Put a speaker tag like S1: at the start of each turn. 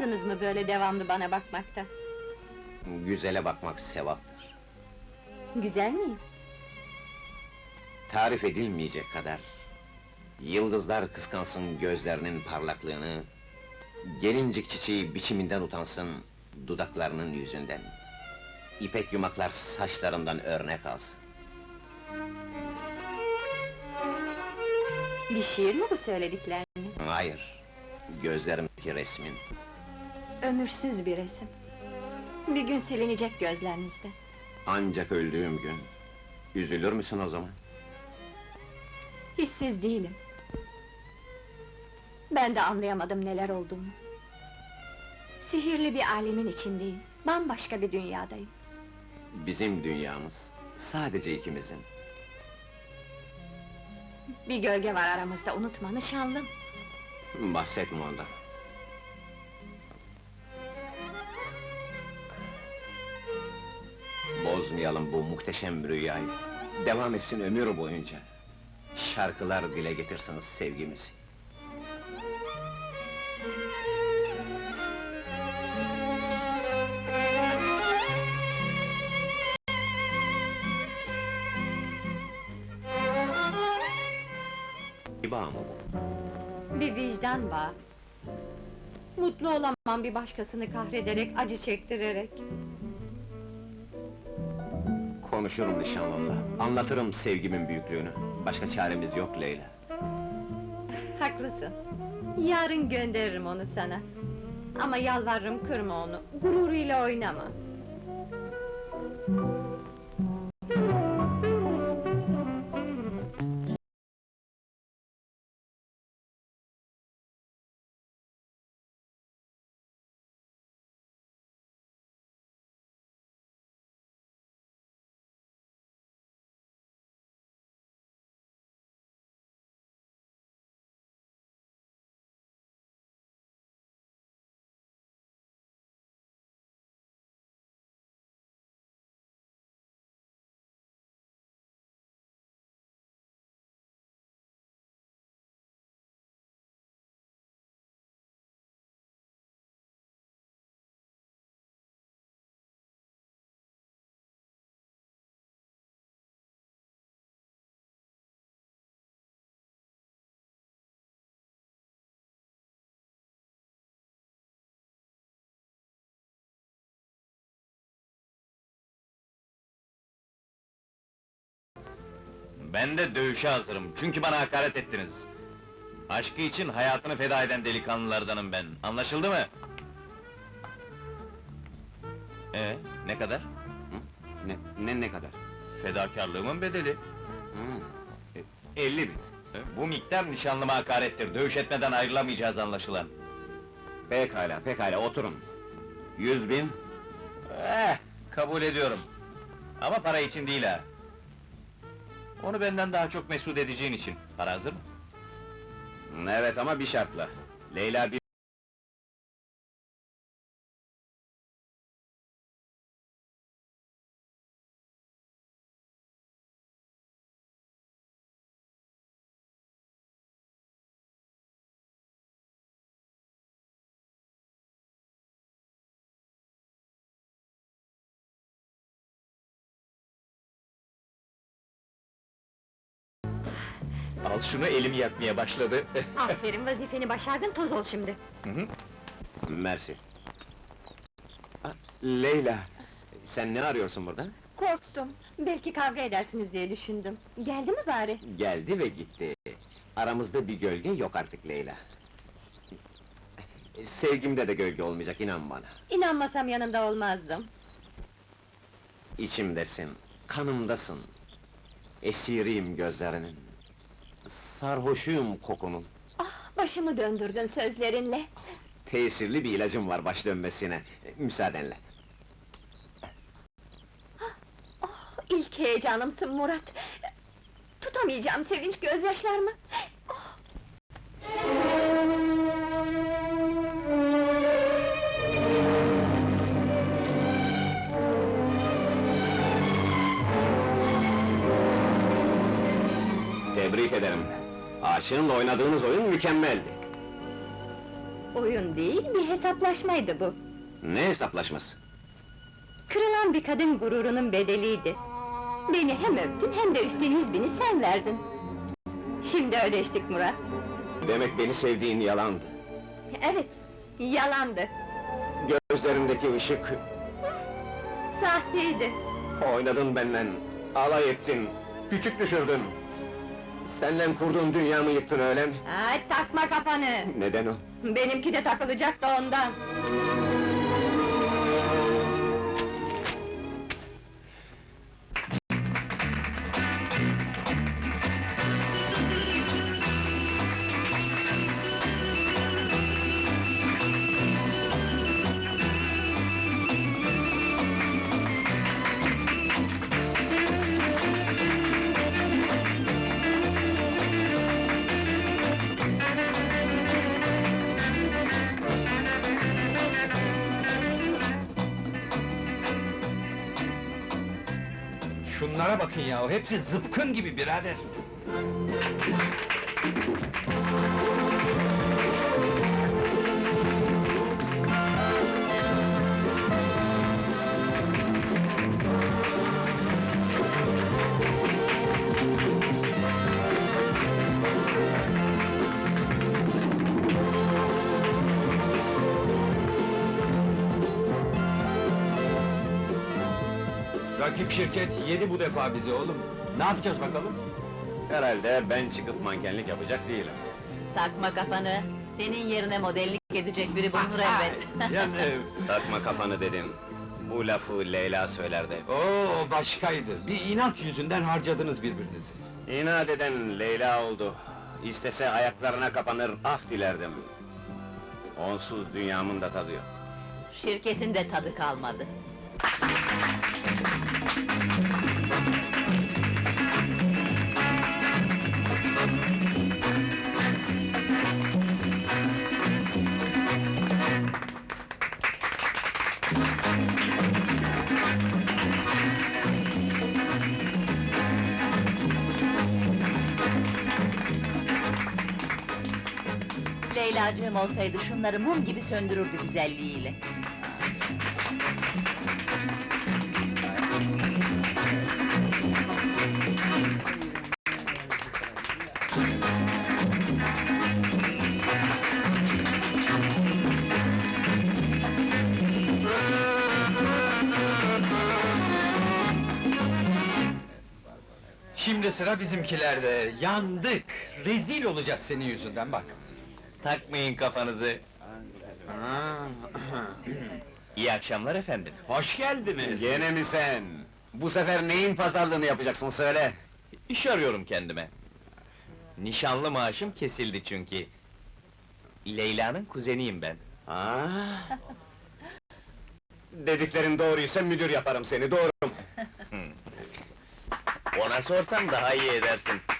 S1: Sıkılmadınız mı böyle devamlı bana bakmakta?
S2: Güzele bakmak sevaptır.
S1: Güzel miyim?
S2: Tarif edilmeyecek kadar. Yıldızlar kıskansın gözlerinin parlaklığını, gelincik çiçeği biçiminden utansın dudaklarının yüzünden. İpek yumaklar saçlarından örnek alsın.
S1: Bir şiir mi bu söyledikleriniz?
S2: Hayır, gözlerimdeki resmin.
S1: Ömürsüz bir resim. Bir gün silinecek gözlerinizde.
S2: Ancak öldüğüm gün, üzülür müsün o zaman?
S1: Hissiz değilim. Ben de anlayamadım neler olduğunu. Sihirli bir alemin içindeyim, bambaşka bir dünyadayım.
S2: Bizim dünyamız, sadece ikimizin.
S1: Bir gölge var aramızda, unutma nişanlım.
S2: Bahsetme ondan. Bozmayalım bu muhteşem rüyayı. Devam etsin ömür boyunca. Şarkılar dile getirsiniz sevgimizi. Bir bağ mı bu?
S1: Bir vicdan bağı. Mutlu olamam bir başkasını kahrederek, acı çektirerek.
S2: Konuşurum nişanlımla, anlatırım sevgimin büyüklüğünü. Başka çaremiz yok Leyla.
S1: Haklısın. Yarın gönderirim onu sana. Ama yalvarırım kırma onu, gururuyla oynama.
S3: Ben de dövüşe hazırım, çünkü bana hakaret ettiniz. Aşkı için hayatını feda eden delikanlılardanım ben, anlaşıldı mı? Ne kadar?
S2: Ne kadar?
S3: Fedakarlığımın bedeli.
S2: Hı. 50 bin.
S3: Bu miktar nişanlıma hakarettir, dövüş etmeden ayrılamayacağız anlaşılan.
S2: Pekala, oturun. 100 bin.
S3: Kabul ediyorum. Ama para için değil ha. Onu benden daha çok mesut edeceğin için. Para hazır mı?
S2: Evet ama bir şartla. Leyla bir...
S3: Al şunu, elim yakmaya başladı.
S1: Aferin, vazifeni başardın, toz ol şimdi.
S2: Mersi. Leyla, sen ne arıyorsun burada?
S1: Korktum, belki kavga edersiniz diye düşündüm. Geldi mi bari?
S2: Geldi ve gitti. Aramızda bir gölge yok artık Leyla. Sevgimde de gölge olmayacak, inan bana.
S1: İnanmasam yanında olmazdım.
S2: İçimdesin, kanımdasın. Esiriyim gözlerinin. Sarhoşuyum kokunun.
S1: Ah, başımı döndürdün sözlerinle.
S2: Tesirli bir ilacım var baş dönmesine. Müsaadenle.
S1: Oh, ilk heyecanımsın Murat! Tutamayacağım sevinç gözyaşlarımı! Oh!
S2: Tebrik ederim. Aşığınla oynadığınız oyun mükemmeldi.
S1: Oyun değil, bir hesaplaşmaydı bu.
S2: Ne hesaplaşması?
S1: Kırılan bir kadın gururunun bedeliydi. Beni hem öptün hem de üstten 100.000'i sen verdin. Şimdi ödeştik Murat.
S2: Demek beni sevdiğin yalandı.
S1: Evet, yalandı.
S2: Gözlerindeki ışık,
S1: Sahteydi.
S2: oynadın benden, alay ettin, küçük düşürdün. Seninle kurduğum dünyamı yıktın öyle mi?
S1: Ay, takma kafanı!
S2: Neden o?
S1: Benimki de takılacak da ondan.
S4: Şunlara bakın ya, hepsi zıpkın gibi birader! Rakip şirket yedi bu defa bizi oğlum! Ne yapacağız bakalım?
S2: Herhalde ben çıkıp mankenlik yapacak değilim.
S5: Takma kafanı, senin yerine modellik edecek biri bulunur elbet.
S4: Yani...
S2: Takma kafanı dedim. Bu lafı Leyla söylerdi.
S4: Oo, başkaydı! Bir inat yüzünden harcadınız birbirinizi.
S2: İnat eden Leyla oldu. İstese ayaklarına kapanır, af dilerdim. Onsuz dünyamın da tadı yok.
S5: Şirketin de tadı kalmadı. Leylacığım olsaydı şunları mum gibi söndürürdü güzelliğiyle.
S4: Şimdi sıra bizimkilerde, yandık! Rezil olacağız senin yüzünden bak!
S3: Takmayın kafanızı. İyi akşamlar efendim.
S4: Hoş geldiniz!
S2: Gene mi sen? Bu sefer neyin pazarlığını yapacaksın söyle!
S3: İş arıyorum kendime. Nişanlı maaşım kesildi çünkü. Leyla'nın kuzeniyim ben.
S2: Aa! Dediklerin doğruysa müdür yaparım seni, doğru!
S3: Ona sorsam daha iyi edersin.